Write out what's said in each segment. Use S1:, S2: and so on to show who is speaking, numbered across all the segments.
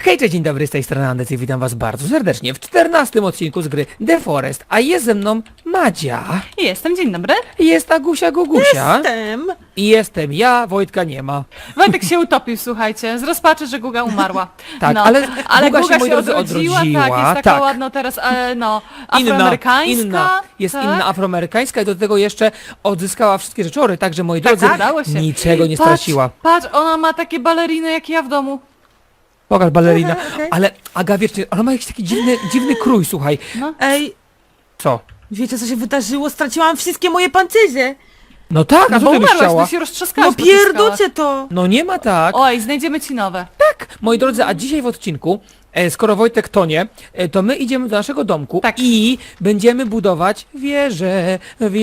S1: Hej, cześć, dzień dobry, z tej strony Andec i witam was bardzo serdecznie w 14 odcinku z gry The Forest, a jest ze mną Madzia,
S2: Jestem, dzień dobry.
S1: jest Agusia Gugusia
S3: Jestem.
S1: i jestem ja, Wojtka nie ma.
S2: Wojtek się utopił, słuchajcie, z rozpaczy, że Guga umarła.
S1: Tak,
S2: no,
S1: ale Guga się, moi
S2: się
S1: drodzy,
S2: odrodziła, tak,
S1: odrodziła,
S2: jest taka
S1: tak.
S2: ładna teraz, afroamerykańska.
S1: Jest
S2: tak?
S1: inna afroamerykańska i do tego jeszcze odzyskała wszystkie rzeczory, także moi drodzy,
S2: tak, udało się.
S1: niczego nie straciła.
S2: Patrz, ona ma takie baleriny jak ja w domu.
S1: Pokaż balerina,
S3: Okej.
S1: ale Aga, wiesz, ona ma jakiś taki dziwny krój, słuchaj.
S3: Ej,
S1: Co?
S3: wiecie co się wydarzyło? Straciłam wszystkie moje pancerze.
S1: No tak, a
S2: No
S1: co
S2: bo
S1: ty byś
S2: umarłaś,
S1: chciała?
S2: to się roztrzaskałaś.
S3: No pierdocie to.
S1: No nie ma tak.
S2: Oj, znajdziemy ci nowe.
S1: Moi drodzy, a dzisiaj w odcinku, skoro Wojtek tonie, to my idziemy do naszego domku
S2: Tak.
S1: i będziemy budować wieżę.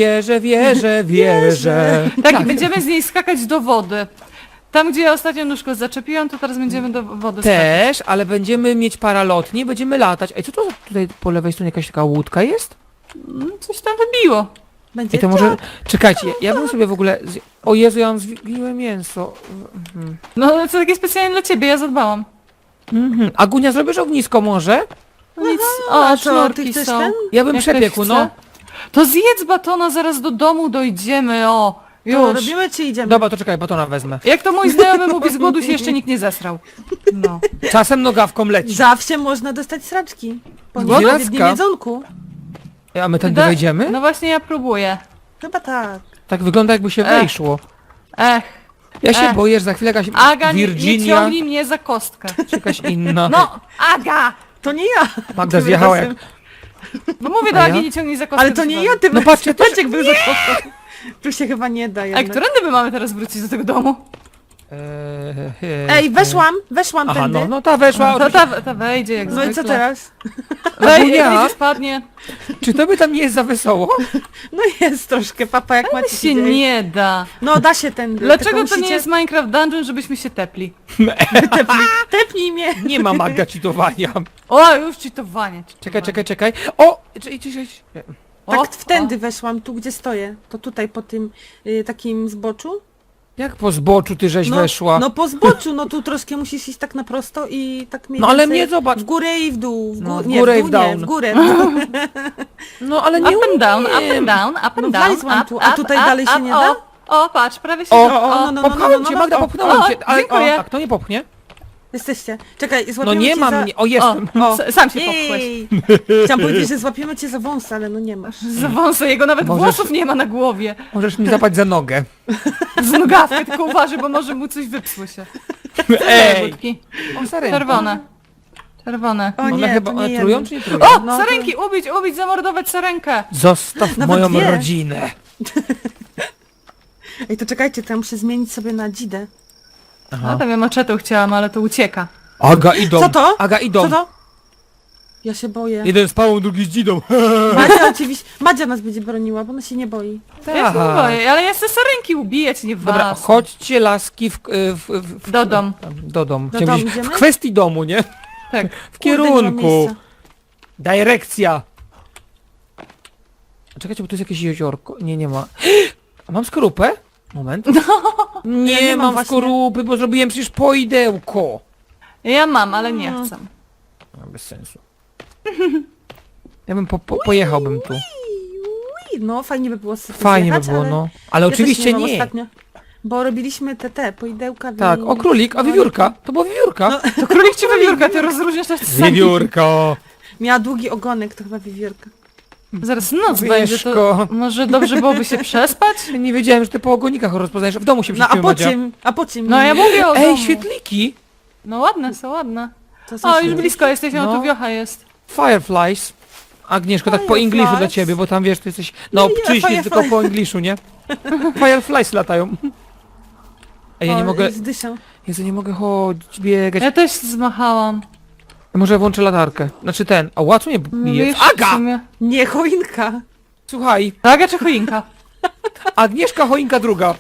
S2: Tak, i będziemy z niej skakać do wody. Tam, gdzie ja ostatnio nóżkę zaczepiłam, to teraz będziemy do wody skakać.
S1: Też, ale będziemy mieć paralotnie, będziemy latać. Ej, co to tutaj po lewej stronie jakaś taka łódka jest?
S2: Coś tam wybiło.
S3: Będzie
S1: Ej, to może... Czekajcie, ja bym sobie w ogóle... O Jezu, ja mam zgniłe mięso.
S2: No, to takie specjalnie dla ciebie, ja zadbałam.
S1: Agunia, zrobisz ognisko może?
S2: No nic,
S3: a
S2: o,
S3: co,
S2: sznurki
S3: ty chcesz
S2: są.
S3: ten?
S1: Ja bym
S2: Jak
S1: przepiekł,
S2: ktoś
S1: no.
S2: chce. To zjedz batona, zaraz do domu dojdziemy, o.
S3: To
S2: Już.
S3: robimy czy idziemy?
S1: Dobra, to czekaj, batona wezmę.
S2: Jak to mój znajomy mówi, z głodu się jeszcze nikt nie zesrał. No.
S1: Czasem nogawką leci.
S3: Zawsze można dostać sraczki. Po
S1: Głodu?
S3: nieodpowiednim jedzonku.
S1: A my tędy wejdziemy?
S2: No właśnie ja próbuję.
S3: Chyba tak.
S1: Tak wygląda, jakby się wejszło.
S2: Ech,
S1: Ja się
S2: Ech.
S1: boję, że za chwilę jakaś
S2: Aga, nie
S1: Virginia,
S2: ciągnij mnie za kostkę.
S1: czy jakaś inna.
S2: No, Aga!
S3: To nie ja.
S1: Magda
S3: Tym
S1: zjechała
S3: razem.
S2: Bo No mówię do
S1: A
S2: Agi,
S1: ja?
S2: nie ciągnij za kostkę.
S3: Ale to nie ja, tym
S1: No patrzcie, też-
S3: Maciek był za kostką. Tu się chyba nie da
S2: A
S3: jednak.
S2: którędy my mamy teraz wrócić do tego domu?
S3: Ej, weszłam
S1: Aha,
S3: tędy.
S1: no ta weszła.
S2: To
S1: oczywiście.
S2: ta wejdzie jak
S3: No
S2: zwykle.
S3: i co teraz?
S2: Wej, jak
S1: Agunia?
S2: wyjdzie, spadnie.
S1: Czy to by tam nie jest za wesoło?
S3: No jest troszkę, papa, jak
S2: Ale
S3: macie
S2: się nie da.
S3: No da się tędy.
S2: Dlaczego
S3: tylko
S2: to nie
S3: musicie-
S2: jest Minecraft Dungeon, żebyśmy się tepli?
S3: Tepnij mnie.
S1: Nie ma Magda cheatowania.
S2: O, już cheatowanie.
S1: Czekaj. O! Czekaj.
S2: O,
S3: Tak wtędy weszłam, tu gdzie stoję. To tutaj po tym takim zboczu.
S1: Jak po zboczu ty żeś weszła?
S3: No po zboczu, no tu troszkę musisz iść tak na prosto i tak mniej
S1: No ale
S3: więcej
S1: mnie zobacz.
S3: w górę i w dół.
S1: No, w
S3: nie,
S1: górę i
S3: dół
S1: w down.
S3: Nie, w górę.
S1: No ale
S2: Up
S1: nie
S2: and down, up
S1: umiem.
S2: and down, up and
S3: No
S2: down,
S3: wlazłam
S2: up,
S3: tu, a
S2: up,
S3: tutaj
S2: up,
S3: dalej się
S2: up,
S3: nie da?
S2: O, patrz, prawie się...
S1: Popchałem cię, Magda, popchnąłem
S2: o,
S1: cię. Ale
S2: dziękuję.
S1: a kto nie popchnie?
S3: Jesteście. Czekaj,
S1: No
S3: złapiemy
S1: nie
S3: cię
S1: ma
S3: za...
S1: mnie. O, jestem.
S3: O,
S2: Sam się popchłeś.
S3: jej. Chciałam powiedzieć, że złapiemy cię za wąs, ale no nie masz.
S2: Za wąsę, jego nawet
S1: Możesz-
S2: włosów nie ma na głowie.
S1: Możesz mi zapać za nogę.
S2: Z nogawkę, tylko uważaj, bo może mu coś wypsło się.
S1: Ej!
S2: Budki.
S1: O, sarenki.
S2: Czerwone. Czerwone.
S3: O
S1: One
S3: nie,
S1: chyba
S3: to nie
S1: one
S3: jemy.
S1: trują czy nie trują?
S2: O,
S3: No,
S2: sarenki, ubić, zamordować sarenkę.
S1: Zostaw
S3: Nawet
S1: moją
S3: dwie.
S1: rodzinę.
S3: Ej, to czekajcie, to ja muszę zmienić sobie na dzidę.
S2: No tam ja maczetą chciałam, ale to ucieka.
S1: Aga idą.
S3: Co to?
S1: Aga idą.
S3: Co to? Ja się boję.
S1: Jeden z pałą, drugi z dzidą.
S3: Madzia oczywiście, Madzia nas będzie broniła, bo ona się nie boi.
S2: Ja się nie boję, ale ja chcę sarenki ubijać, nie was.
S1: Dobra, chodźcie laski
S2: Do dom.
S1: do domu.
S3: Do
S1: Chciałem
S3: domu
S1: powiedzieć,
S3: idziemy?
S1: w kwestii domu, nie?
S2: Tak.
S1: W
S3: Kurde, nie ma
S1: kierunku.
S3: miejsca.
S1: Dyrekcja. Czekajcie, bo tu jest jakieś jeziorko. Nie ma. A mam skorupę? Moment. Nie,
S3: Ja nie mam
S1: mam
S3: właśnie.
S1: skorupy, bo zrobiłem przecież poidełko.
S2: Ja mam, ale nie chcę.
S1: Bez sensu. Ja bym pojechałbym tu.
S3: Ui, no fajnie by było sobie
S1: Fajnie by
S3: zjechać,
S1: było,
S3: ale
S1: no. Ale
S3: ja też
S1: oczywiście
S3: mam
S1: nie.
S3: Ostatnio, bo robiliśmy te poidełka.
S1: Tak, o królik, a wiewiórka. To była wiewiórka.
S3: No.
S2: To królik czy wiewiórka? Ty rozróżniasz to sami.
S1: Wiewiórka.
S3: Miała długi ogonek, to chyba wiewiórka.
S2: Zaraz noc będzie,
S1: Wieszko.
S2: to może dobrze byłoby się przespać?
S1: Ja nie wiedziałem, że ty po ogonikach rozpoznajesz. W domu się
S3: No a
S1: przyczynił,
S3: po
S1: Madzia.
S3: czym? A po czym?
S2: No ja mówię o
S1: Ej,
S2: domu.
S1: świetliki.
S2: No ładne są, ładne.
S3: To są
S2: O, już
S3: świetne.
S2: blisko jesteś, no
S1: No.
S2: tu wiocha jest.
S1: Fireflies. Agnieszko, tak po
S3: Fireflies.
S1: ingliszu dla ciebie, bo tam wiesz, ty jesteś na
S3: Nie,
S1: obczyźnie,
S3: firefly.
S1: tylko po ingliszu, nie? Fireflies latają. Ej, ja nie
S3: O,
S1: mogę,
S3: zdyszę.
S1: Jezu, nie mogę chodzić, biegać.
S2: Ja też zmachałam.
S1: Może włączę latarkę. Znaczy ten, a łacu nie bije.
S2: Wiesz, w
S1: Aga!
S2: sumie.
S3: Nie, choinka.
S1: Słuchaj,
S2: Aga czy choinka?
S1: Agnieszka choinka druga.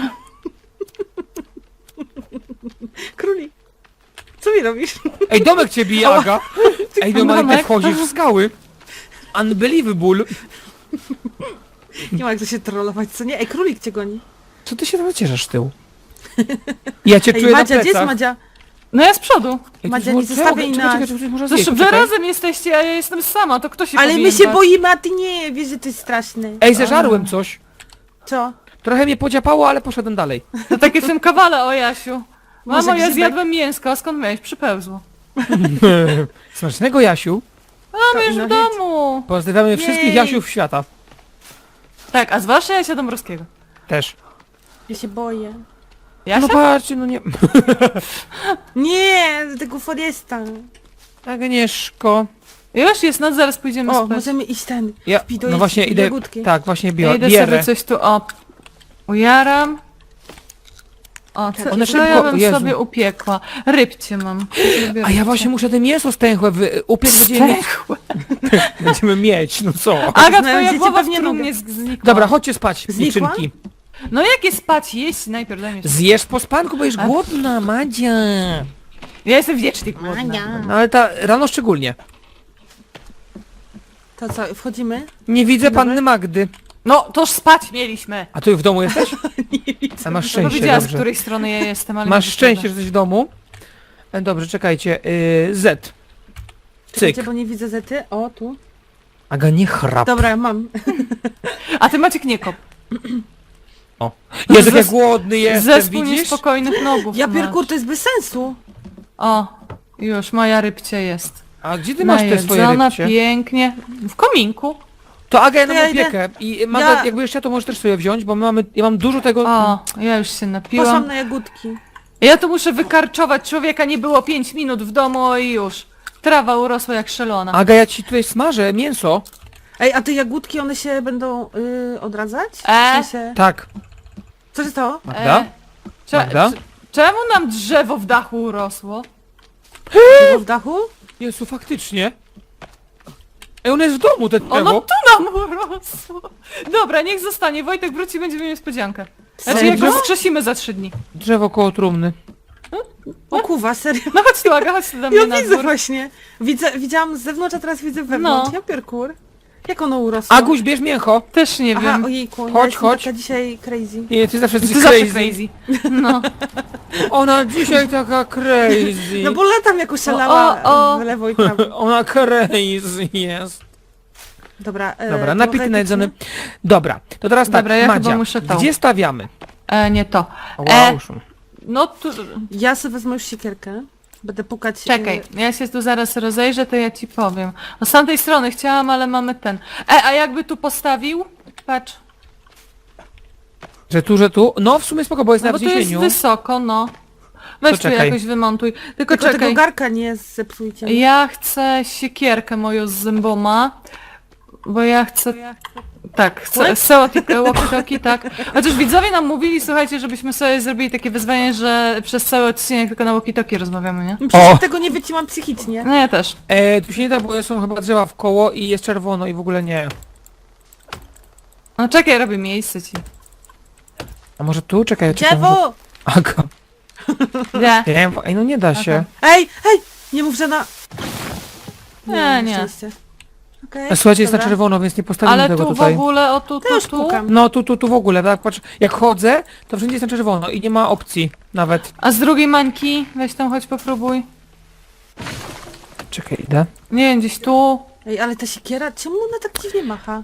S3: Królik. Co mi robisz?
S1: Ej, domek cię bije, Aga. Ej, normalnie ty
S2: Domek.
S1: wchodzisz w skały. Unbelievable.
S3: Nie ma jak to się trollować, co nie? Ej, królik cię goni.
S1: Co ty się tam cieszysz z tyłu? Ja cię
S3: Ej,
S1: czuję
S3: Madzia,
S1: na
S3: gdzie jest
S1: plecach.
S3: Madzia?
S2: No ja z przodu.
S1: Ej,
S3: Madzia,
S1: to
S3: nie
S1: już-
S3: zostawiaj
S1: czekaj,
S3: nas.
S1: czekaj, czekaj, można
S2: Zresztą,
S1: zjeść,
S2: że
S1: poczekaj.
S2: razem jesteście, a ja jestem sama, to kto się
S3: Ale my
S2: powinien
S3: się
S2: bać?
S3: boimy, a ty nie, wiesz, że to jest straszne.
S1: Ej, zeżarłem coś.
S3: Co?
S1: Trochę mnie podziapało, ale poszedłem dalej.
S2: To takie w tym kawale, o Jasiu. Mamo,
S3: Może
S2: ja
S3: grzybek?
S2: zjadłem mięsko, a skąd miałeś? Przypełzło.
S1: Smacznego, Jasiu.
S2: Mamy już
S3: No
S2: w
S3: hit.
S2: domu.
S1: Pozdrawiamy wszystkich
S3: Jej.
S1: Jasiów świata.
S2: Tak, a zwłaszcza Jasia Dąbrowskiego.
S1: Też.
S3: Ja się boję.
S2: Jasia?
S1: No patrzcie, no nie...
S3: Nie, do tego Foresta.
S1: Agnieszko.
S2: Już jest noc, zaraz pójdziemy
S3: O,
S2: spać.
S3: możemy iść ten.
S1: Ja,
S3: Pido
S1: no właśnie
S3: jest
S1: idę...
S3: jagódki.
S1: Tak, właśnie
S2: Ja idę
S1: bierę.
S2: sobie coś tu, ujaram. O, co,
S1: One
S2: co
S1: szybko-
S2: ja bym
S1: Jezu.
S2: sobie upiekła? Rybcie mam. Lubię
S1: A ja
S2: rybcie.
S1: właśnie muszę te mięso stęchłe upiec, będziemy mieć, no co?
S2: Aga,
S3: Znając
S2: twoja
S3: dzieci
S2: głowa w
S3: pewnie
S2: trumnie
S3: mogę.
S2: znikła.
S1: Dobra, chodźcie spać,
S3: Znikła?
S1: dziewczynki.
S2: No jakie spać? Jeść najpierw, daj mi się.
S1: Zjesz po spanku, bo jesz
S2: A-
S1: głodna, Madzia.
S2: Ja jestem wiecznie głodna.
S1: No ale ta rano szczególnie.
S3: To co, wchodzimy?
S1: Nie widzę
S3: Dobra.
S1: panny Magdy.
S2: No, toż spać mieliśmy.
S1: A ty w domu jesteś? A masz
S2: To
S1: szczęście,
S2: wiedziała, z
S1: dobrze.
S2: której strony ja jestem, ale...
S1: Masz
S2: nie
S1: szczęście, że
S2: wyszedłem.
S1: jesteś w domu. Dobrze, czekajcie. Z. Cyk.
S3: Czekajcie, bo nie widzę zety. O, tu.
S1: Aga, nie chrap.
S3: Dobra, mam.
S2: A ty Maciek nie kop.
S1: Jezu, jak ja
S2: Zes-
S1: głodny jestem,
S2: Zespół
S1: widzisz?
S2: niespokojnych nogów
S3: Ja
S2: masz.
S3: pierkur, to jest bez sensu.
S2: O, już moja rybcie jest.
S1: A gdzie ty masz te swoje
S2: Najedzona
S1: rybcie?
S2: pięknie. W kominku.
S1: To Aga, ja
S3: To
S1: nam
S3: ja idę.
S1: opiekę. I Maga,
S3: Ja-
S1: jakby jeszcze to możesz też sobie wziąć, bo ja mam dużo tego...
S2: O, ja już się
S3: Poszłam
S2: napiłam.
S3: na jagódki.
S2: Ja tu muszę wykarczować człowieka, nie było 5 minut w domu i już. Trawa urosła jak szelona.
S1: Aga, ja ci tutaj smażę mięso.
S3: Ej, a te jagódki, one się będą odradzać? W sensie...
S1: Tak.
S3: Co się stało?
S1: Magda? Magda?
S2: Czemu nam drzewo w dachu urosło?
S3: Było w dachu?
S1: Jezu, faktycznie. Ej, on jest w domu, ten
S2: Ono
S1: drzewo.
S2: tu nam urosło. Dobra, niech zostanie. Wojtek wróci, będziemy mieli niespodziankę. Znaczy, jak
S1: Serio?
S2: go wskrzesimy za 3 dni.
S1: Drzewo koło trumny.
S3: O kuwa, serio.
S2: No chodź tu, Aga, chodź tu do mnie
S3: Ja
S2: na
S3: widzę
S2: dwór.
S3: właśnie. Widziałam z zewnątrz, a teraz widzę wewnątrz.
S2: No.
S3: Ja pierkur. Jak ono urosło?
S1: Aguś, bierz mięcho.
S2: Też nie
S3: Aha,
S2: wiem.
S3: ojejku,
S1: Chodź,
S3: ja jestem
S1: chodź.
S3: taka dzisiaj crazy.
S1: Nie, ty zawsze jesteś
S2: Ty zawsze
S1: crazy.
S2: crazy. No.
S1: Ona dzisiaj taka crazy.
S3: No bo latam jak oszalała
S2: O.
S3: w lewo i prawo.
S1: Ona crazy jest.
S3: Dobra,
S1: Dobra, napity
S3: trochę
S1: najedzony. Dobra, to teraz tak,
S2: Dobra, ja
S1: Madzia,
S2: chyba muszę tą.
S1: gdzie stawiamy?
S2: Nie to.
S1: Wow,
S2: No tu...
S3: Ja sobie wezmę już siekierkę. Będę pukać...
S2: Czekaj, ja się tu zaraz rozejrzę, to ja ci powiem. No z tamtej strony chciałam, ale mamy ten. A jakby tu postawił? Patrz.
S1: Że tu? No w sumie spoko, bo jest
S2: No
S1: na
S2: bo tu jest
S1: wzniesieniu.
S2: wysoko, no. Weź tu
S1: czekaj.
S2: jakoś wymontuj. Tylko
S3: Tylko tego
S2: czekaj.
S3: garka nie zepsujcie.
S2: Ja chcę siekierkę moją z zęboma. Bo ja chcę... Tak, chcę walkie-talkie, tak. Chociaż widzowie nam mówili, słuchajcie, żebyśmy sobie zrobili takie wyzwanie, że przez cały odcinek tylko na walkie-talkie rozmawiamy, nie?
S3: Przecież
S1: O.
S3: tego nie wyciłam psychicznie.
S2: No ja też.
S1: Tu się nie da, bo są chyba drzewa w koło i jest czerwono i w ogóle nie.
S2: No czekaj, robię miejsce ci.
S1: A może tu? Czekaj, czekaj. może-
S3: Drzewo!
S1: Aga.
S2: Gdzie?
S1: Nie wiem, ej, no nie da się.
S3: Ej, ej! Nie mów, że na...
S2: Nie.
S3: szczęście. Okej,
S1: A słuchajcie, jest na
S3: dobra.
S1: czerwono, więc nie postawimy
S2: Ale
S1: tego
S2: tu
S1: tutaj.
S2: w ogóle, o tu,
S3: To już
S2: tu, tu.
S3: pukam.
S1: No tu w ogóle, tak, patrz, jak chodzę, to wszędzie jest na czerwono i nie ma opcji nawet.
S2: A z drugiej mańki? Weź tam, chodź popróbuj.
S1: Czekaj, idę.
S2: Nie wiem, gdzieś tu.
S3: Ej, ale ta siekiera, czemu ona tak dziwnie macha?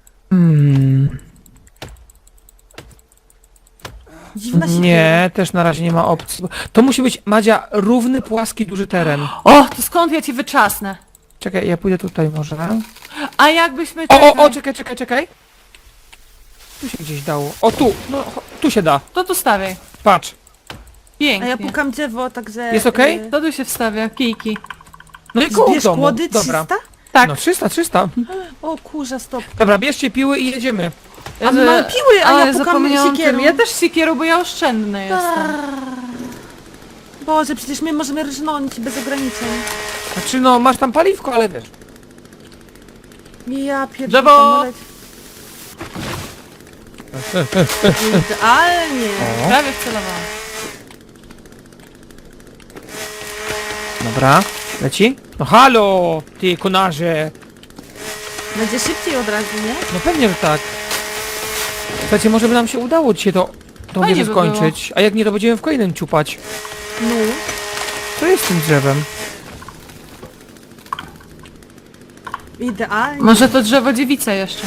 S3: Dziwna siekiera.
S1: Nie, też na razie nie ma opcji. To musi być, Madzia, równy, płaski, duży teren.
S2: O, to skąd ja ci wyczasnę?
S1: Czekaj, ja pójdę tutaj może.
S2: A jakbyśmy...
S1: Czekaj. Tu się gdzieś dało. O, tu, no, tu się da.
S2: To tu stawiaj.
S1: Patrz.
S3: A
S2: Pięknie.
S3: ja pukam drzewo, także...
S1: Jest okej?
S2: To tu się wstawia, kijki.
S1: No i koło
S3: Zbierz
S1: domu.
S3: kłody 300?
S1: Dobra.
S2: Tak.
S1: No 300.
S3: O kurza, stop.
S1: Dobra, bierzcie piły i jedziemy.
S3: A my mamy piły, a ja pukam
S2: zapomniałam
S3: siekierą.
S2: tym. Ja też siekierą, bo ja oszczędny jestem.
S3: Boże, przecież my możemy rżnąć bez ograniczeń.
S1: Znaczy no, masz tam paliwko, ale wiesz.
S3: Ja pierdolę.
S2: Drzewo!
S3: Idealnie.
S2: Prawie wcelowałam.
S1: Dobra, leci? No halo, ty konarze.
S3: Będzie szybciej od razu, nie?
S1: No pewnie, że tak. Słuchajcie, może by nam się udało dzisiaj to
S2: Fajnie
S1: wieżę
S2: by
S1: skończyć. A jak nie, to będziemy w kolejnym ciupać.
S3: No.
S1: Co jest z tym drzewem?
S3: Idealnie.
S2: Może to drzewo dziewica jeszcze.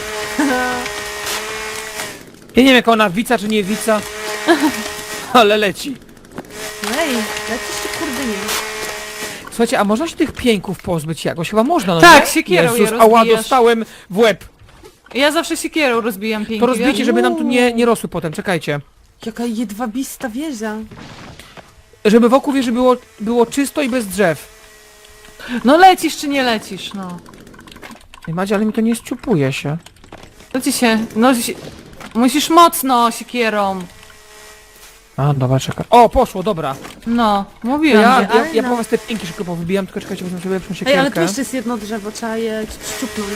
S1: Ja nie wiem, jak ona wica czy nie wica. Ale leci.
S3: Ej, lecisz czy kurde nie?
S1: Słuchajcie, a można się tych pieńków pozbyć jakoś? Chyba można, no
S2: Tak,
S1: nie?
S2: siekierą je
S1: Jezus, ała,
S2: rozbijasz.
S1: dostałem w łeb.
S2: Ja zawsze siekierą rozbijam pięknie.
S1: To rozbijcie, żeby nam tu nie rosły potem, czekajcie.
S3: Jaka jedwabista wieża.
S1: Żeby wokół wieży było czysto i bez drzew.
S2: No lecisz czy nie lecisz, no.
S1: Ej, Madzie, ale mi to nie ściupuje się.
S2: To ci się... No, musisz mocno siekierą.
S1: A, dobra, czekaj. O, poszło, dobra.
S2: No,
S1: To
S2: mówiłem,
S1: ja,
S2: że...
S1: ja, ja po was te pięki szybko powybijam, tylko czekajcie, wezmę sobie lepszą
S3: Ej, ale tu
S1: siekierkę.
S3: jeszcze jest jedno drzewo, trzeba je szczupnąć.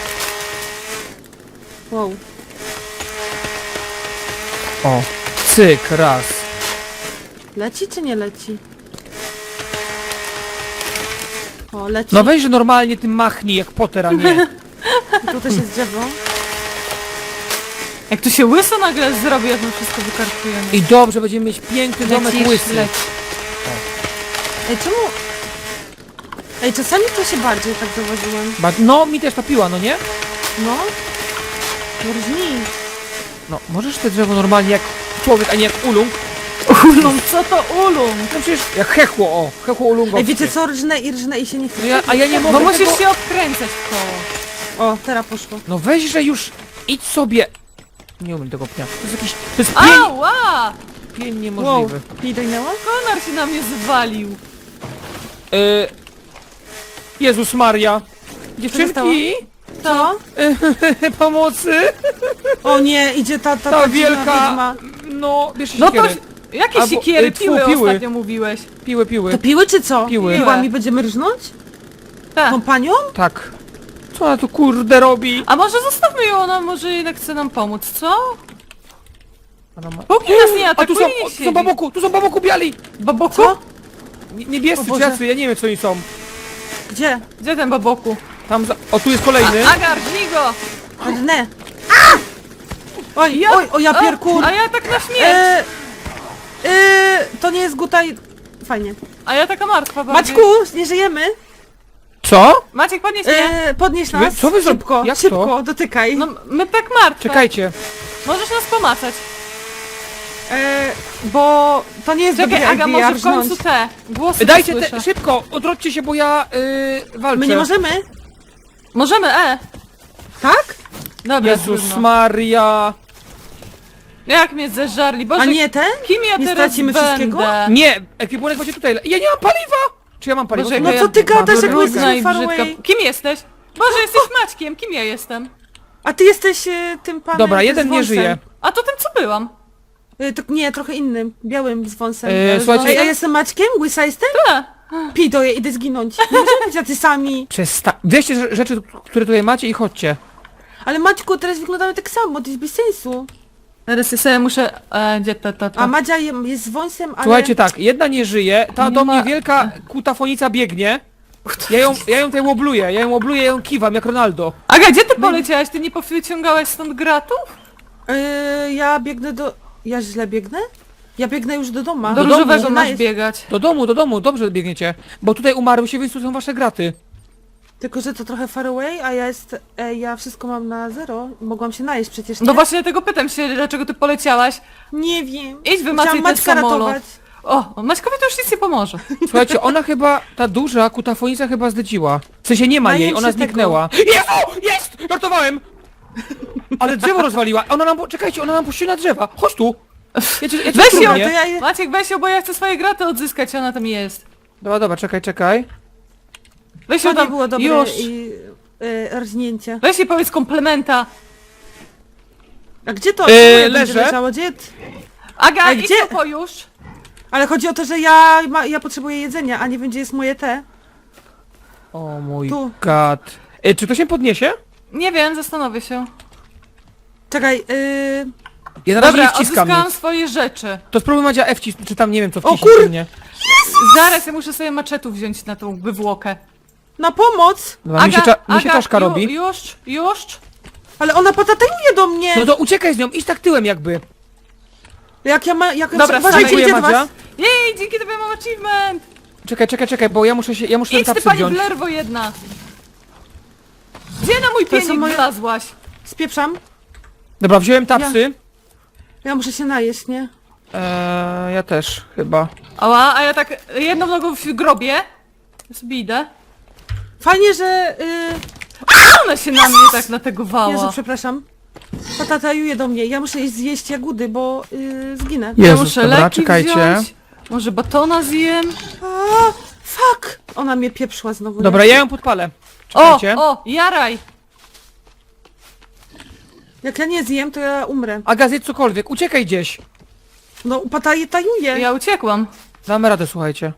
S3: Wow.
S1: O, cyk, raz.
S3: Leci czy nie leci? O, leci.
S1: No weź, że normalnie tym machnij, jak Potter, a nie.
S3: Tu też jest drzewo.
S2: Jak tu się łyso nagle zrobi, jak my wszystko wykartujemy.
S1: I dobrze, będziemy mieć piękny domek łysy.
S2: leć.
S3: Ej, czemu... Ej, czasami to się bardziej tak zauważyłem.
S1: No, mi też topiła, no nie?
S3: No. Różni.
S1: No, możesz te drzewo normalnie jak człowiek, a nie jak ulung.
S2: Ulum, co to ulum?
S1: No przecież jak hechło, o, hechło ulungowskie.
S3: Ej, wiecie co? Rżnę i się nie chce.
S1: No a ja nie mogę
S2: Bo musisz
S1: tego...
S2: się odkręcać w koło.
S3: O, teraz poszło.
S1: No weź, że już idź sobie. Nie umiem tego pnia. To jest jakiś... To jest pień,
S2: Ała!
S1: pień
S3: Wow.
S1: niemożliwy.
S3: Nie dojnęła?
S2: Konar się na mnie zwalił.
S1: Jezus Maria.
S3: zostało?
S1: Dziewczynki,
S3: Co?
S1: pomocy.
S3: O nie, idzie ta
S1: Ta wielka...
S3: wiedźma.
S1: No, bierzcie
S2: No to...
S1: siekiery.
S2: Jakie
S1: Albo,
S2: siekiery,
S1: tfu,
S2: piły
S1: piły.
S2: ostatnio mówiłeś.
S1: Piły.
S3: To piły czy co?
S1: Piły.
S3: Piłami będziemy rżnąć?
S2: Tak.
S3: Kompanią?
S1: Tak. Co ona tu kurde robi?
S2: A może zostawmy ją, ona może jednak chce nam pomóc, co?
S1: Ona ma...
S2: Póki nas nie
S1: A tu
S2: atakuje,
S1: są,
S2: niech
S1: tu są
S2: siedzi.
S1: baboku, biali.
S2: Baboku?
S3: Co?
S1: Niebiescy
S3: O
S1: czy
S3: Boże.
S1: jacy, ja nie wiem co oni są.
S3: Gdzie?
S2: Gdzie ten baboku?
S1: Tam za... O, tu jest kolejny.
S2: Agar, dźwij go!
S3: Rżnę. Oj,
S2: Ja-
S3: oj, o ja pierkur.
S2: A ja tak na śmierć!
S3: To nie jest gutaj... Fajnie.
S2: A ja taka martwa bardziej.
S3: Maćku, nie żyjemy.
S1: Co?
S2: Maciek, podnieś mnie!
S3: Podnieś nas.
S1: co wy
S3: Szybko,
S1: jak to?
S3: szybko, dotykaj.
S2: No, my tak martwe.
S1: Czekajcie.
S2: Możesz nas pomacać.
S3: Bo to nie jest
S2: Czekaj,
S3: dobre
S2: Aga,
S3: idea
S2: może w końcu
S3: rżnąć.
S2: te głosy
S1: Dajcie
S2: słyszę.
S1: te, szybko, odrodźcie się, bo ja walczę.
S3: My nie możemy?
S2: Możemy,
S3: Tak?
S2: Dobra,
S1: Jezus
S2: trudno.
S1: Maria.
S2: Jak mnie zeżarli, Boże,
S3: A nie ten?
S2: kim ja
S3: nie
S2: teraz
S3: stracimy
S2: będę?
S3: wszystkiego?
S1: Nie, ekwipunek macie tutaj. Ja nie mam paliwa! Czy ja mam paliwo?
S2: Boże,
S3: No
S2: jaka
S3: co ty
S2: ja
S3: gadasz, jak my
S2: brudna
S3: jesteśmy
S2: i
S3: far
S2: brzydka.
S3: away?
S2: Kim jesteś? Boże, jesteś Maćkiem, kim ja jestem?
S3: A ty jesteś tym panem
S1: Dobra,
S3: z
S1: jeden nie
S3: wąsem.
S1: żyje.
S2: A to tym co byłam?
S3: Nie, trochę innym, białym z wąsem.
S1: Słuchajcie-
S3: Ej, ja jestem Maćkiem? Łysa jestem?
S2: Tak.
S3: Pij to, ja idę zginąć. Nie możemy być tacy sami.
S1: Weźcie rzeczy, które tutaj macie i chodźcie.
S3: Ale Maćku, teraz wyglądamy tak samo, to jest bez sensu.
S2: Teraz ja sobie muszę... gdzie to?
S3: A Madzia jest z wąsem, ale...
S1: Słuchajcie tak, jedna nie żyje, ta
S2: Nie
S1: do mnie
S2: ma-
S1: wielka kutafonica biegnie. Ja ją tutaj łobluję, ja ją kiwam jak Ronaldo.
S2: Aga, gdzie ty poleciałaś? Ty nie powyciągałaś stąd gratów?
S3: Ja biegnę do... Ja źle biegnę? Ja biegnę już do domu.
S2: Do
S1: domu.
S2: różowego
S3: Ona
S2: masz
S3: jest-
S2: biegać.
S1: Do domu, dobrze biegniecie. Bo tutaj umarły się, więc tu są wasze graty.
S3: Tylko, że to trochę far away, a ja wszystko mam na zero. Mogłam się najeść przecież, nie?
S2: No właśnie dlatego pytam się, dlaczego ty poleciałaś.
S3: Nie wiem.
S2: Idź wymacaj
S3: Chciałam
S2: ten
S3: Maćka
S2: samolot.
S3: ratować.
S2: O, Maćkowi to już nic nie pomoże.
S1: Słuchajcie, ona chyba, ta duża kutafonica chyba zdedziła. W sensie nie ma
S3: Najem
S1: jej, ona
S3: się
S1: zniknęła. Jezu! Jest! Żartowałem! Ale drzewo rozwaliła. Czekajcie, ona nam puściła na drzewa. Chodź tu! Ja cię
S2: Weź ją,
S1: trudnię.
S3: To ja...
S2: Maciek, weź ją, bo ja chcę swoje graty odzyskać, ona tam jest.
S1: Dobra, czekaj.
S2: Weź
S3: To
S2: ją
S3: nie
S2: tam,
S3: było dobre
S2: już.
S3: rżnięcie.
S2: Weź jej powiedz komplementa.
S3: A gdzie to?
S1: Leżę.
S3: Będzie leżało? Gdzie?
S2: Aga,
S3: A
S2: idź
S3: gdzie?
S2: tu po już.
S3: Ale chodzi o to, że ja potrzebuję jedzenia, a nie wiem, gdzie jest moje te.
S1: O mój
S3: Tu.
S1: god. Czy to się podniesie?
S2: Nie wiem, zastanowię się.
S3: Czekaj,
S1: Ja na razie
S2: Dobra,
S1: nie wciskam
S2: odzyskałam
S1: nic.
S2: swoje rzeczy.
S1: To spróbuj Madzia F czy tam nie wiem co
S3: O
S1: wcisnąć.
S3: kur-
S1: czy nie.
S2: Zaraz, ja muszę sobie maczetów wziąć na tą wywłokę.
S3: na pomoc!
S1: Dobra, mi się czaszka robi.
S2: Już.
S3: Ale ona patatajuje do mnie!
S1: No to uciekaj z nią, idź tak tyłem jakby.
S3: Jak ja ma... Jak
S2: Dobra,
S3: uważajcie,
S1: Dziękuję,
S3: idzie do
S1: Madzia.
S3: was!
S2: Jej, dzięki tobie mam achievement.
S1: Czekaj, bo ja muszę ten
S2: Idź ty,
S1: tapsy
S2: pani
S1: wziąć.
S2: blerwo jedna! Gdzie na mój
S3: To są
S2: pienik
S3: moje-
S2: wlazłaś?
S3: Spieprzam.
S1: Dobra, wziąłem tapsy.
S3: Ja muszę się najeść, nie?
S1: Ja też, chyba.
S2: Ała, a ja tak jedną nogą w grobie. Sobie idę.
S3: Fajnie, że...
S2: Ona się na mnie tak nategowała.
S3: Jezu, przepraszam. Patatajuje do mnie. Ja muszę iść zjeść jagódy, bo zginę.
S2: Ja
S1: Jezus,
S2: muszę
S1: dobra,
S2: leki
S1: czekajcie.
S2: wziąć. Może batona zjem.
S3: A, fuck! Ona mnie pieprzła znowu.
S1: Dobra,
S3: nie?
S1: ja ją podpalę.
S2: O,
S1: Czekajcie.
S2: o, jaraj!
S3: Jak ja nie zjem, to ja umrę.
S1: Aga, zjedz cokolwiek, uciekaj gdzieś.
S3: No, patatajuje.
S2: Ja uciekłam.
S1: Damy radę, słuchajcie.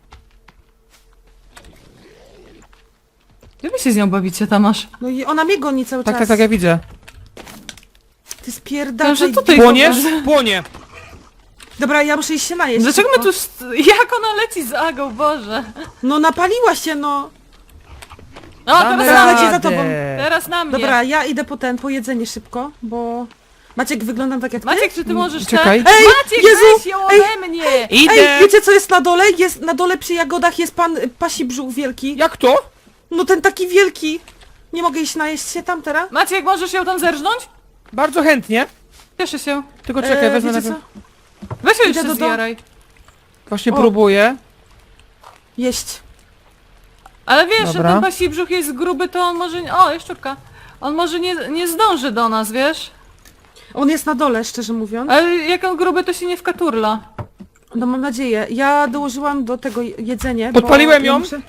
S2: Gdzie wy się z nią bawicie, Tamasz?
S3: No i ona mnie goni cały czas.
S1: Tak, ja widzę.
S3: Ty spierdalaj.
S2: Że tutaj
S1: Płoniesz?
S2: kogoś-
S1: Płonie.
S3: Dobra, ja muszę iść się najeść.
S2: Dlaczego my
S3: szybko.
S2: tu... Jak ona leci z Agą, Boże?
S3: No napaliła się, no.
S2: O,
S1: Damy
S2: teraz na
S3: radę.
S2: mnie!
S3: za tobą.
S2: Teraz na mnie!
S3: Dobra, ja idę po jedzenie szybko, bo... Maciek, wyglądam tak jak ty?
S2: Maciek, czy ty możesz
S1: Czekaj.
S2: Ten...
S3: Ej,
S2: Maciek,
S3: Jezu!
S2: weź ją
S3: Ej!
S2: ode mnie!
S1: Idę!
S3: Ej, wiecie co jest na dole? Jest na dole przy jagodach jest pan pasi brzuch wielki.
S1: Jak to?
S3: No ten taki wielki. Nie mogę iść najeść się tam teraz?
S2: Maciek, możesz ją tam zerżnąć?
S1: Bardzo chętnie.
S2: Cieszę się.
S1: Tylko czekaj, wezmę
S3: wiecie
S1: najpierw...
S3: co?
S2: Weź ją
S3: Idę
S2: jeszcze
S3: do domu.
S2: zjaraj.
S1: Właśnie
S3: O.
S1: próbuję.
S3: Jeść.
S2: Ale wiesz, że
S1: Dobra.
S2: ten pasi brzuch jest gruby, to on może... O, jest szczupka. On może nie zdąży do nas, wiesz?
S3: On jest na dole, szczerze mówiąc.
S2: Ale jak on gruby, to się nie wkaturla.
S3: No mam nadzieję. Ja dołożyłam do tego jedzenie,
S1: Podpaliłem
S3: bo
S1: ją.
S3: ja muszę...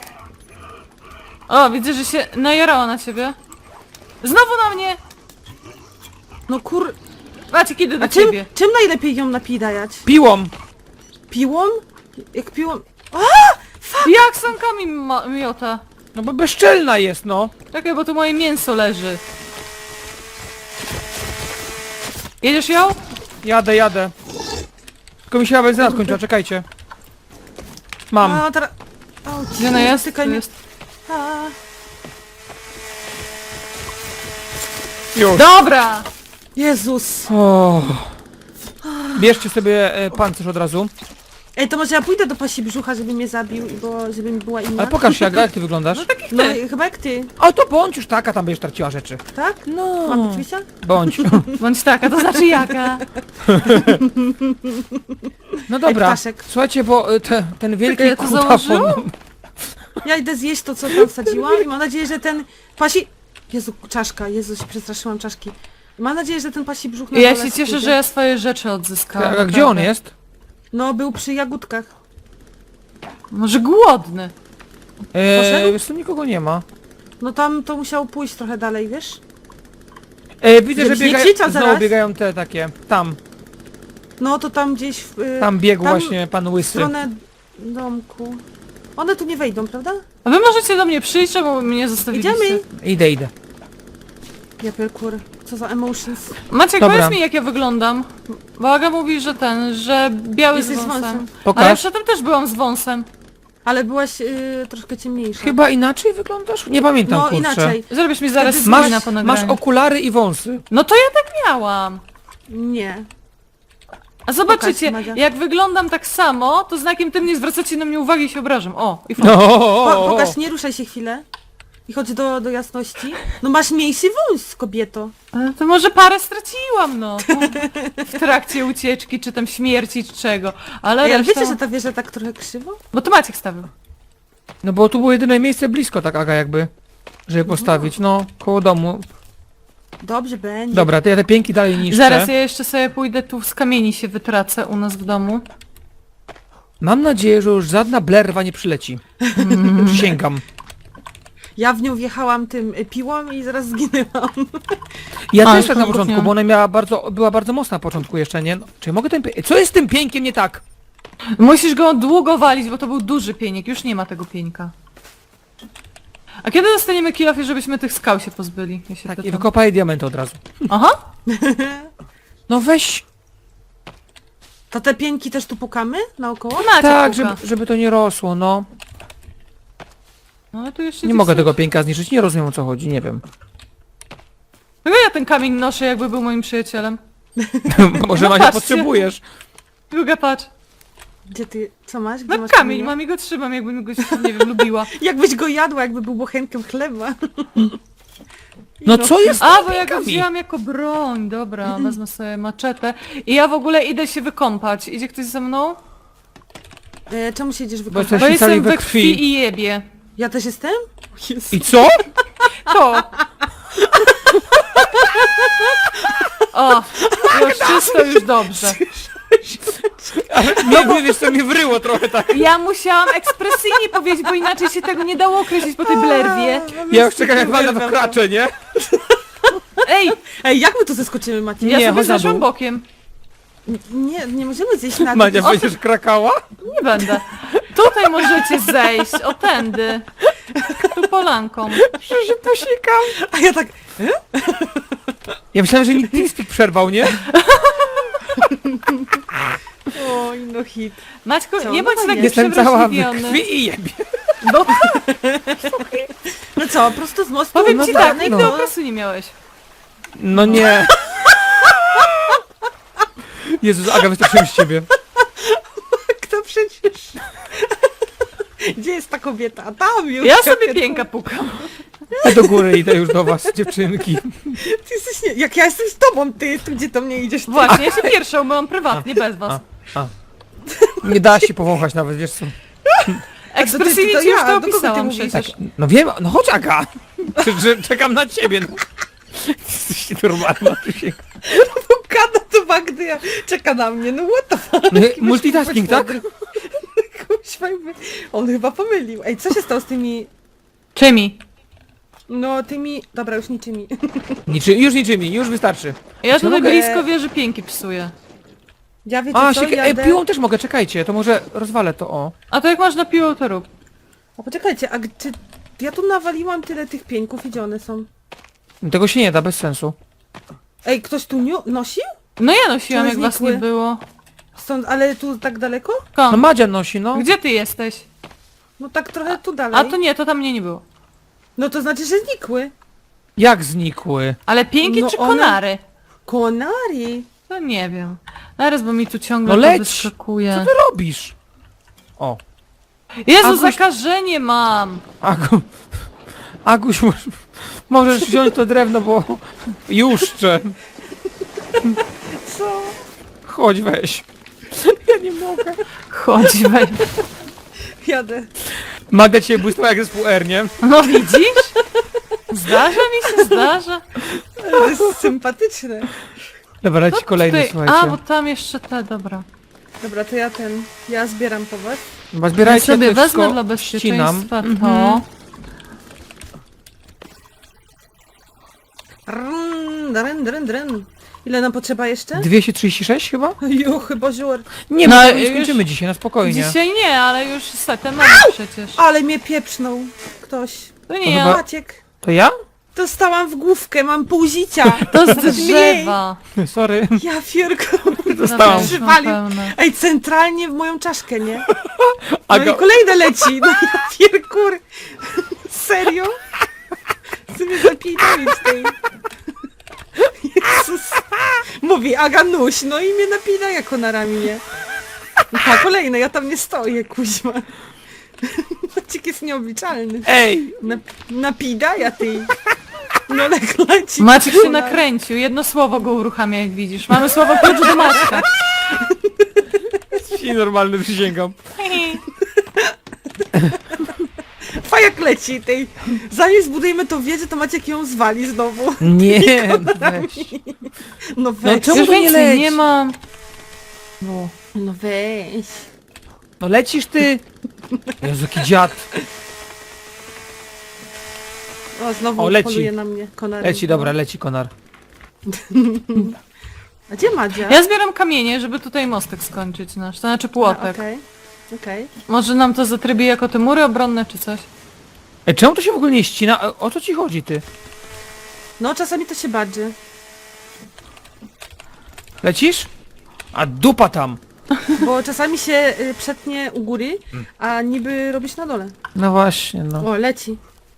S2: O, widzę, że się najarała na ciebie. Znowu na mnie!
S3: No kur...
S2: Maciek, idę do
S3: A czym,
S2: ciebie.
S3: czym najlepiej ją napidajać?
S1: Piłą.
S3: Piłą? Jak piłą...
S2: Jak sąkami miota?
S1: No bo bezczelna jest, no.
S2: Czekaj, bo tu moje mięso leży. Jedziesz ją?
S1: Jadę. Tylko mi się benzyna skończyła, czekajcie. Mam.
S3: A, teraz... Auć,
S2: Gdzie ona jest?
S3: dotykaj
S2: Tu
S3: mnie.
S2: jest.
S3: A,
S1: Już.
S3: Dobra! Jezus!
S1: O. Bierzcie sobie pancerz od razu.
S3: Ej, to może ja pójdę do pasi brzucha, żeby mnie zabił, bo żeby mi była inna.
S1: Ale pokaż się, Aga, jak ty wyglądasz.
S2: No takich
S3: No
S2: ty.
S3: chyba jak ty,
S1: O, to bądź już taka, tam będziesz traciła rzeczy.
S3: tak?
S1: No.
S3: Mam być Wisia?
S1: Bądź.
S2: Bądź taka, to znaczy jaka.
S1: No dobra.
S3: ptaszek.
S1: Słuchajcie, bo ten wielki
S2: Czekaj, ja to
S1: kutafon...
S2: założyłam?
S3: Ja idę zjeść to, co tam wsadziłam i mam nadzieję, że ten pasi... Jezu, czaszka, Jezu, się przestraszyłam czaszki. Mam nadzieję, że ten pasi brzuch na
S2: Ja
S3: dole
S2: się cieszę,
S3: spójdzie.
S2: że ja swoje rzeczy odzyskałam.
S1: A gdzie on
S2: naprawdę.
S1: jest?
S3: No, był przy jagódkach.
S2: Może głodny.
S3: Poszedł?
S1: Wiesz co, nikogo nie ma.
S3: No tam to musiał pójść trochę dalej, wiesz?
S1: Widzę, że
S3: Żebyś nie
S1: biegają,
S3: krzyczał
S1: znowu
S3: zaraz.
S1: biegają te takie. Tam
S3: No to tam gdzieś w...
S1: biegł
S3: tam
S1: właśnie pan
S3: w
S1: Łysy.
S3: stronę domku. One tu nie wejdą, prawda?
S2: A wy możecie do mnie przyjść, czemu mnie zostawiliście?
S3: Idziemy!
S1: Idę.
S3: Ja pierkur, co za emotions.
S2: Maciek,
S1: Dobra.
S2: powiedz mi, jak ja wyglądam. Bo Aga mówi, że że biały
S3: Jesteś
S2: z
S3: z
S2: wąsem.
S3: wąsem.
S2: Ale ja
S1: Pokaż.
S2: przedtem też byłam z wąsem.
S3: Ale byłaś troszkę ciemniejsza.
S1: Chyba inaczej wyglądasz? Nie pamiętam,
S3: No
S1: kurczę.
S3: inaczej.
S2: Zrobisz mi zaraz
S3: Wtedy
S2: screena
S1: Masz,
S2: po
S1: masz
S2: nagraniu.
S1: okulary i wąsy.
S2: No to ja tak miałam.
S3: Nie.
S2: A zobaczycie,
S3: Pokaż, Madzia.
S2: jak wyglądam tak samo, to znakiem tym nie zwracacie na mnie uwagi i się obrażam. O, i
S1: No.
S3: Pokaż, nie ruszaj się chwilę. I chodź do jasności. No masz mniejszy wąs, kobieto.
S2: Ale to może parę straciłam, no. W trakcie ucieczki, czy tam śmierci, czy czego. Ale
S3: Ej, ale
S2: reszta...
S3: wiecie, że ta wieża tak trochę krzywo?
S2: Bo to Maciek stawił.
S1: No bo tu było jedyne miejsce blisko, tak Aga jakby. Żeby postawić, no, koło domu.
S3: Dobrze będzie.
S1: Dobra, to ja te pięki dalej niszczę.
S2: Zaraz ja jeszcze sobie pójdę tu z kamieni się wytracę u nas w domu.
S1: Mam nadzieję, że już żadna blerwa nie przyleci. Przysięgam.
S3: Ja w nią wjechałam tym piłą i zaraz zginęłam.
S1: Ja
S2: A,
S1: też
S2: już
S1: tak na
S2: tam
S1: początku,
S2: kuchnia.
S1: bo ona była bardzo mocna na początku jeszcze, nie? No, czy ja mogę ten Co jest z tym pieńkiem nie tak?
S2: Musisz go długo walić, bo to był duży pienik. Już nie ma tego pieńka. A kiedy dostaniemy kilofy, żebyśmy tych skał się pozbyli? Ja się
S1: Tak, i
S2: pytam.
S1: wykopaj diamenty od razu.
S2: Aha!
S1: No weź.
S3: To te pieńki też tu pukamy naokoło?
S2: Maciek
S1: Tak,
S2: puka.
S1: żeby to nie rosło, no.
S2: No ale tu jeszcze
S1: Nie
S2: gdzieś
S1: mogę
S2: są-
S1: tego pieńka zniszczyć, nie rozumiem o co chodzi, nie wiem.
S2: Dlaczego ja ten kamień noszę, jakby był moim przyjacielem?
S1: Może
S2: No
S1: Mania
S2: patrzcie.
S1: potrzebujesz.
S2: Druga patrz.
S3: Gdzie ty, co masz? Gdzie
S2: No
S3: masz
S2: kamień,
S3: kamienia?
S2: mam i go trzymam, jakbym go, nie wiem, lubiła.
S3: Jakbyś go jadła, jakby był bochenkiem chleba.
S1: No co jest?
S2: A, bo ja go
S1: Kamień.
S2: wzięłam jako broń, dobra, wezmę sobie maczetę. I ja w ogóle idę się wykąpać. Idzie ktoś ze mną?
S3: Czemu się idziesz
S1: Bo
S3: wykąpać?
S1: jesteś-
S2: Bo jestem
S1: cali we
S2: we
S1: krwi.
S2: krwi i jebie.
S3: Ja też jestem? Jezu.
S1: I co?
S2: To! O, już wszystko, już dobrze.
S1: Nie, wiesz co, mnie wryło trochę tak.
S2: Ja musiałam ekspresyjnie powiedzieć, bo inaczej się tego nie dało określić po tej blerwie.
S1: Ja już czekam jak walnę w kracze, nie?
S2: Ej,
S3: Ej, jak my tu zeskoczymy, Maciej?
S2: ja
S1: Nie,
S2: sobie
S1: chodź na
S2: zeszłam
S1: dół.
S2: bokiem.
S3: Nie możemy zejść na dół.
S1: Madzia, będziesz krakała?
S2: Nie będę. Tutaj możecie zejść, o tędy. Tu polanką.
S1: Że się posikam.
S3: A ja tak...
S1: Ja myślałem, że mi TeamSpeak przerwał, nie?
S3: Oj, no hit.
S2: Maćku,
S3: Co?
S2: nie
S3: No
S2: bądź
S3: to
S2: taki
S1: Jestem cała w
S2: przewrażliwiony.
S1: krwi i jebie.
S2: Bo
S3: No co, prosto z mostu?
S2: powiem
S3: no
S2: ci
S3: tak,
S2: tak,
S3: no.
S2: nigdy okresu nie miałeś.
S1: No nie. Jezus, Aga, wystarczyłem z ciebie.
S3: Kto przecież... Gdzie jest ta kobieta? A tam już.
S2: Ja sobie pięka pukam.
S1: Ja do góry idę już do was, dziewczynki.
S3: Ty jesteś nie... Jak ja jestem z tobą, ty, tu gdzie do mnie idziesz? Ty.
S2: Właśnie, ja się pierwszą myłam prywatnie, bez was.
S1: Nie da się powąchać nawet, wiesz co.
S2: Ekspresyjnie
S3: to
S2: ci już
S3: ja,
S2: to
S3: do kogo ty
S2: opisałam
S3: mówisz?
S2: przecież.
S1: No wiem, no chodź Aga. Czekam na ciebie. No. Jesteś normalna, Krzysiek.
S3: Kada to Magdy, ja... czeka na mnie, no what the fuck?
S1: No, multitasking, tak?
S3: Kuźwa, on chyba pomylił. Ej, co się stało z tymi...
S2: Czymi?
S3: No, tymi... Dobra, już niczymi.
S1: Już niczymi, już wystarczy.
S2: Ja tutaj
S3: mogę-
S2: blisko wieży pięki psuję.
S3: Ja wiecie
S1: A,
S3: co, jadę...
S1: piłą też mogę, czekajcie, to może rozwalę to, o.
S2: A to jak masz na piłę, to rób.
S3: A poczekajcie, a czy... Ja tu nawaliłam tyle tych pieńków i gdzie one są?
S1: Tego się nie da, bez sensu.
S3: Ej, ktoś tu nosił?
S2: No ja nosiłam,
S3: One
S2: jak was
S3: znikły.
S2: nie było.
S3: Stąd, ale tu tak daleko?
S1: No
S2: Skąd?
S1: Madzia nosi, no.
S2: Gdzie ty jesteś?
S3: No tak trochę tu dalej.
S2: A to nie, to tam mnie nie było.
S3: No to znaczy, że znikły.
S1: Jak znikły?
S2: Ale pięki
S3: No
S2: czy
S3: one-
S2: konary?
S3: Konari.
S2: No nie wiem. Zaraz, bo mi tu ciągle
S1: No
S2: to
S1: leć!
S2: wyskakuje.
S1: Co ty robisz? O,
S2: Jezu,
S1: Aguś-
S2: zakażenie mam!
S1: Aguś, możesz wziąć to drewno, bo juszczę.
S3: Co?
S1: Chodź, weź. Ja nie mogę.
S2: Chodź, weź.
S3: Jadę.
S1: Magda cię błysnęła jak zespół R, nie?
S2: No widzisz? Zdarza mi się, zdarza.
S3: To jest sympatyczne.
S1: Dobra, leci kolejny,
S2: Tutaj-
S1: słuchajcie.
S2: A, bo tam jeszcze te, dobra.
S3: Dobra, to ja zbieram po was.
S1: Chyba
S2: Ja
S1: zbierajcie,
S2: sobie
S1: ja to
S2: wezmę
S1: wszystko
S2: dla
S1: ścinam.
S2: bezpieczeństwa to.
S3: Drn. Ile nam potrzeba jeszcze?
S1: 236 chyba?
S3: Juchy, boziur.
S1: Nie,
S2: No,
S1: no, nie
S2: już-
S1: skończymy dzisiaj, na spokojnie.
S2: Dzisiaj nie, ale już setę mam przecież.
S3: Ale mnie pieprznął ktoś.
S2: To
S1: To
S2: nie ja,
S1: chyba-
S3: Maciek.
S1: To ja?
S3: Dostałam w główkę, mam pół życia.
S2: to z
S3: Mniej.
S2: drzewa.
S1: Sorry.
S3: Ja fierko.
S1: Dostałam.
S2: Dobra, już mam
S3: Przywalił.
S2: pełne.
S3: Ej, centralnie w moją czaszkę, nie? No
S1: Aga,
S3: i kolejne leci. No ja pierkur. Serio? Chcę mnie zapinać tej. Jezus. Mówi Aga nuś, no i mnie napina jako na ramię. A kolejne, ja tam nie stoję, kuźma. Maciek jest nieobliczalny.
S1: ej!
S3: Napida ja ty. No leci.
S2: Maciek się nakręcił, jedno słowo go uruchamia, jak widzisz. Mamy słowo klucz do Maćka.
S1: I normalny przysięgam.
S3: Fajak leci tej. Zanim zbudujemy tą wiedzę, to Maciek ją zwali znowu.
S1: Nie, no weź.
S3: No weź.
S1: czemu
S2: Już
S1: to nie
S2: więcej
S1: leci?
S2: nie mam. No.
S3: No weź.
S1: No lecisz ty! Jezu, jaki dziad.
S3: O, znowu
S1: O, leci.
S3: poluje na mnie konar.
S1: Leci, dobra, leci konar.
S3: A gdzie Madzia?
S2: Ja zbieram kamienie, żeby tutaj mostek skończyć nasz, to znaczy płotek.
S3: Okej. Okej.
S2: Może nam to zatrybi jako te mury obronne, czy coś?
S1: Ej, czemu to się w ogóle nie ścina? O co ci chodzi, ty?
S3: No czasami to się badży.
S1: Lecisz? A dupa tam!
S3: Bo czasami się przetnie u góry, a niby robisz na dole.
S1: No właśnie, no.
S3: O, leci.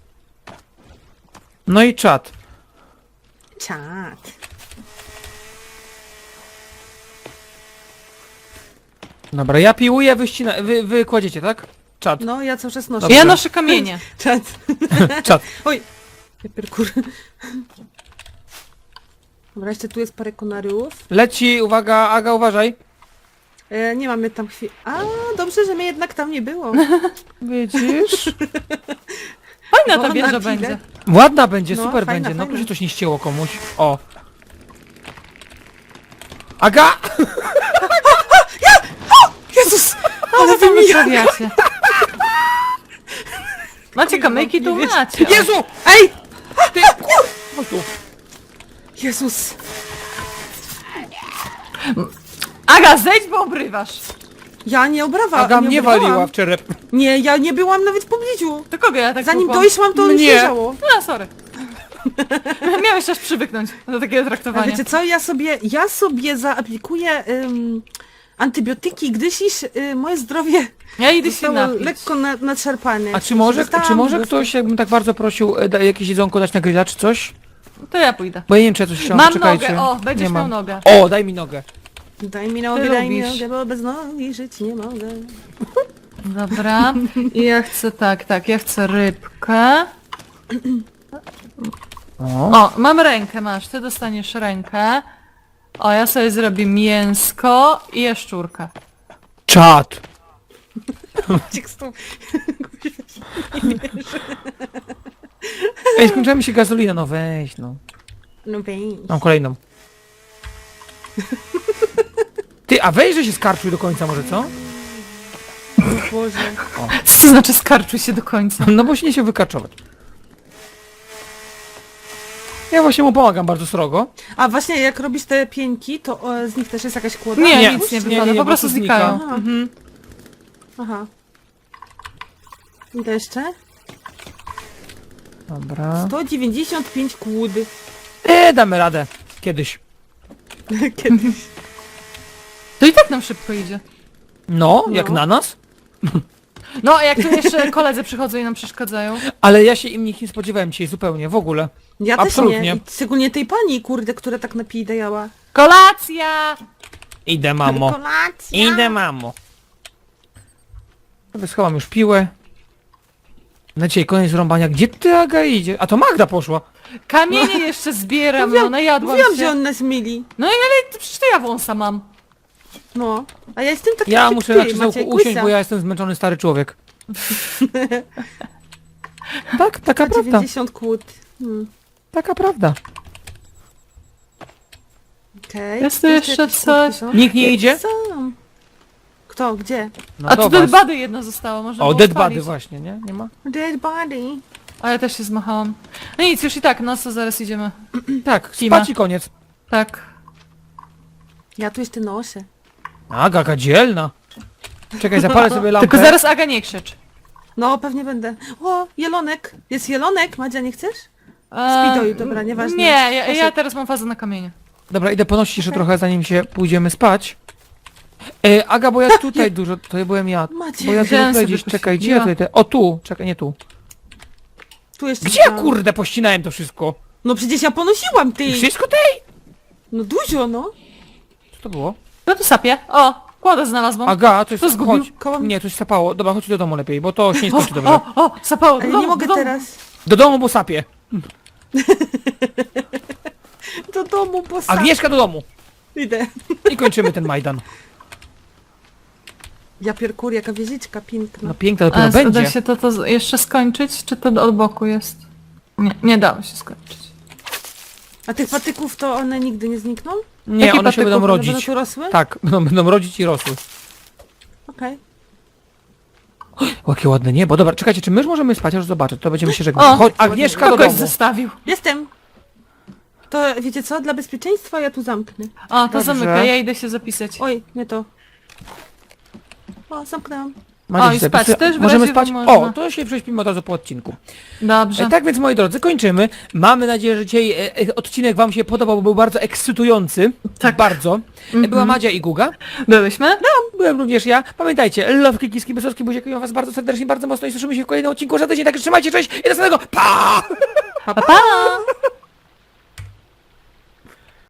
S1: No i czat.
S3: Czad.
S1: Dobra, ja piłuję, wy kładziecie, tak? Czad.
S3: No, ja cały czas noszę.
S1: Dobrze.
S2: Ja noszę kamienie.
S3: Czad.
S1: Czad.
S3: Oj, ja pierkur. Dobra, jeszcze tu jest parę konariów.
S1: Leci, uwaga, Aga, uważaj.
S3: Nie mamy tam chwili. A, dobrze, że mnie jednak tam nie było.
S1: Widzisz?
S2: Fajna ta
S3: O,
S2: wieża
S3: na
S2: będzie.
S3: chwilę.
S1: Ładna będzie,
S3: No,
S1: super
S3: fajna,
S1: będzie. No,
S3: fajna.
S1: tu się coś nie ścięło komuś. O. Aga!
S3: Jezus!
S2: Ale wy mi stawiacie. Macie kamyki, to
S3: nie wiesz.
S2: macie.
S1: Jezu!
S3: Ej!
S1: Ty, kur... Chodź tu.
S3: Jezus!
S2: Aga, zejdź, bo obrywasz.
S3: Ja nie obrawa.
S1: Aga
S3: nie
S1: mnie
S3: obrywałam.
S1: waliła w czerep.
S3: Nie, ja nie byłam nawet w pobliżu.
S2: To kogo ja tak
S3: Zanim
S2: tłukłam?
S3: dojszłam, to już
S1: Mnie.
S3: leżało.
S2: A, sorry. Miałeś czas przywyknąć do takiego
S3: A
S2: traktowania.
S3: wiecie co, ja sobie zaaplikuję antybiotyki, gdyż moje zdrowie
S2: Ja idę się
S3: zostało
S2: napić.
S3: lekko nadszarpane.
S1: A czy może
S3: Dostałam
S1: ktoś, jakbym tak bardzo prosił, jakieś jedzonko dać na grilla, czy coś?
S2: To ja pójdę.
S1: Bo ja nie wiem, czy ja coś chciałam,
S2: Mam
S1: czekajcie.
S2: nogę, o, będziesz
S1: Nie
S2: miał
S1: mam.
S2: nogę.
S1: O, daj mi nogę.
S3: Daj mi
S2: Ty
S3: nogę,
S2: lubisz.
S3: bo bez nogi żyć nie mogę.
S2: Dobra. I ja chcę tak, ja chcę rybkę.
S1: O.
S2: O, mam rękę, masz, ty dostaniesz rękę. O, ja sobie zrobię mięsko i jaszczurkę.
S1: Czad.
S3: Ciek z tą...
S1: Ej, skończyła mi się gazolina, no weź, no.
S3: No weź.
S1: Mam kolejną. Ty, a weź, że się skarczuj do końca może, co?
S3: Boże.
S2: Co to znaczy skarczuj się do końca?
S1: No bo się nie się wykarczować. Ja właśnie mu pomagam bardzo srogo.
S3: A właśnie jak robisz te pieńki, to z nich też jest jakaś kłoda?
S2: Nie,
S1: Nie,
S2: nic nie
S1: nie,
S2: wypada,
S1: nie,
S2: po
S1: po
S2: prostu
S1: prostu
S2: znikają.
S1: znika.
S2: Mhm.
S3: Aha. I to jeszcze?
S1: Dobra.
S3: 195 kłód.
S1: Damy radę. Kiedyś.
S3: Kiedyś.
S2: To i tak nam szybko idzie.
S1: No,
S3: No.
S1: jak na nas.
S2: No, jak tu jeszcze koledzy przychodzą i nam przeszkadzają.
S1: Ale ja się im nich nie spodziewałem dzisiaj zupełnie, w ogóle.
S3: Ja też
S1: Absolutnie.
S3: nie. I szczególnie tej pani, kurde, która tak napidajała.
S2: Kolacja!
S1: Idę, mamo.
S3: Kolacja!
S1: Idę, mamo. Dobra, schowam już piłę. Na dzisiaj koniec rąbania. Gdzie ty, Aga, idzie? A to Magda poszła.
S2: Kamienie jeszcze zbieram, no najadłam
S3: Mówiłam, że
S2: się.
S3: on nas myli.
S2: No i ale przecież to ja wąsa mam.
S3: No. A ja jestem taki
S1: Ja
S3: jak
S1: muszę
S3: ty,
S1: na krzesełku
S3: Maciek,
S1: usiąść,
S3: łysa.
S1: bo ja jestem zmęczony stary człowiek. Tak, taka prawda.
S3: 90 kłód.
S1: Taka prawda.
S3: Okej.
S2: Jest tu jeszcze
S3: jakieś
S2: coś?
S3: kłódki są?
S1: Nikt nie idzie?
S3: Są. Kto? Gdzie?
S1: No
S2: A tu
S1: do was.
S2: dead body jedno zostało, można
S1: O,
S2: było
S1: dead
S2: spalić.
S1: body właśnie, nie? Nie ma?
S3: Dead body.
S2: A ja też się zmachałam. No nic, już i tak, no co zaraz idziemy.
S1: Tak,
S2: Kima.
S1: spać i koniec.
S2: Tak.
S3: Ja tu jeszcze noszę.
S1: Aga, jaka dzielna. Czekaj, zapalę sobie lampę.
S2: Tylko zaraz Aga nie krzycz.
S3: No, pewnie będę. O, jelonek. Jest jelonek. Madzia, nie chcesz?
S2: Eee,
S3: Spidoju, dobra, nieważne.
S2: Nie, ja teraz mam fazę na kamienie.
S1: Dobra, idę ponosić jeszcze trochę, zanim się pójdziemy spać. Aga, bo ja tutaj dużo, to byłem ja.
S3: Macie.
S1: Bo ja
S2: Wziąłem
S1: tutaj
S2: sobie
S1: gdzieś, czekaj, gdzie ja
S2: pościeliła.
S1: tutaj... O, tu, czekaj, nie tu.
S3: Tu jeszcze
S1: Gdzie ja,
S3: mam.
S1: kurde, pościnałem to wszystko?
S3: No przecież ja ponosiłam, ty.
S1: Wszystko tej?
S3: No dużo, no.
S1: Co to było?
S2: No tu sapie. O, kładę znalazłam.
S1: Aga, to jest...
S2: To zgubił.
S1: Chodź.
S3: Koło mnie.
S1: Nie, coś sapało. Dobra, chodź do domu lepiej, bo to się nie skończy dobrze.
S2: O, sapało do
S3: Ale
S2: domu,
S3: nie mogę
S2: do domu.
S3: teraz.
S1: Do domu, bo sapie.
S3: Do domu, bo sam.
S1: Agnieszka do domu.
S3: Idę.
S1: I kończymy ten Majdan.
S3: Ja pierkur, jaka wieżyczka piękna.
S1: No piękna
S2: A
S1: dopiero będzie.
S2: da się to jeszcze skończyć, czy to od boku jest? Nie dało się skończyć.
S3: A tych patyków to one nigdy nie znikną?
S1: Nie,
S2: Jaki
S1: one się będą
S2: patyków?
S3: One będą
S1: rodzić.
S3: tu rosły?
S1: Tak, będą rodzić i rosły.
S3: Okej.
S1: O, jakie ładne niebo. Dobra, czekajcie, czy my już możemy spać? Aż zobaczę, to będziemy się żegnać.
S2: O,
S1: Chodź, Agnieszka do
S2: Kogoś
S1: domu.
S2: zostawił.
S3: Jestem. To wiecie co? Dla bezpieczeństwa ja tu zamknę.
S2: O, to
S1: Dobrze.
S2: zamykaj, ja idę się zapisać.
S3: Oj, nie to. O, zamknęłam.
S1: Macie
S2: O, i
S1: się
S2: spać
S1: zapisy-
S2: też w
S1: Możemy
S2: razie
S1: spać?
S2: można.
S1: O, to się prześpimy od razu po odcinku.
S2: Dobrze.
S1: Tak więc, moi drodzy, kończymy. Mamy nadzieję, że dzisiaj odcinek wam się podobał, bo był bardzo ekscytujący.
S2: Tak.
S1: Bardzo. Była Madzia i Guga.
S2: Byłyśmy?
S1: Byłem również ja. Pamiętajcie, love, kikiski, Bysowski, buziakuję was bardzo serdecznie, bardzo mocno i słyszymy się w kolejnym odcinku za tydzień, także trzymajcie, cześć i do następnego. Pa!
S2: Pa, pa!